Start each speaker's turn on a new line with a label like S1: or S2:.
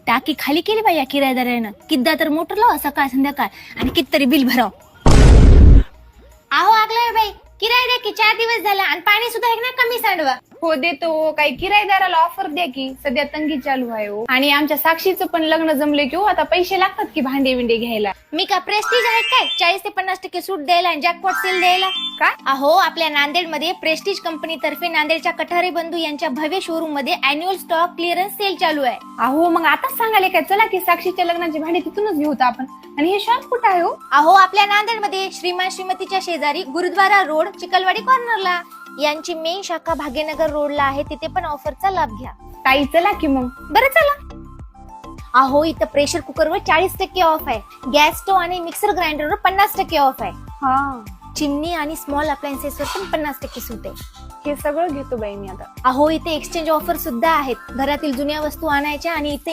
S1: टाकी खाली केली बाई या किरायदारानं. किद्दा तर मोटर लावा सकाळ संध्याकाळ आणि कितीतरी बिल भराव. अहो आगलाय बाई, किराया द्या की 4 दिवस झाला आणि पाणी सुद्धा एक ना कमी सांडवा.
S2: हो देतो, काही किरायदाराला ऑफर द्या की, सध्या तंगी चालू आहे हो. आणि आमच्या साक्षीचं पण लग्न जमले की हो, आता पैसे लागतात की भांडे बिंडे घ्यायला.
S1: मी का प्रेस्टीज आहे काय 40 ते 50% सूट द्यायला आणि जॅकपॉट सेल द्यायला?
S2: काय?
S1: अहो आपल्या नांदेडमध्ये प्रेस्टीज कंपनी तर्फे नांदेडच्या कठारे बंधू यांच्या भव्य शोरूम मध्ये अॅन्युअल स्टॉक क्लिअरन्स सेल चालू आहे.
S2: अहो मग आताच सांगाले काय, चला की साक्षीच्या लग्नाचे भांडे तिथूनच घेऊ आपण. आणि हे शॉप कुठं आहे हो?
S1: अहो आपल्या नांदेडमध्ये श्रीमान श्रीमतीच्या शेजारी गुरुद्वारा रोड चिकलवाडी कॉर्नरला. यांची मेन शाखा भाग्यनगर रोडला आहे, तिथे पण ऑफरचा लाभ घ्या.
S2: ताई चला की मग.
S1: बरं चला. अहो इथं प्रेशर कुकरवर 40% ऑफ आहे. गॅस स्टोव्ह आणि मिक्सर ग्राइंडरवर 50% ऑफ आहे.
S2: हा,
S1: चिमणी आणि स्मॉल अप्लायन्सेसवर पण 50% सूट आहे.
S2: हे सगळं घेतो बाई मी आता.
S1: अहो इथे एक्सचेंज ऑफर सुद्धा आहेत. घरातील जुन्या वस्तू आणायच्या आणि इथे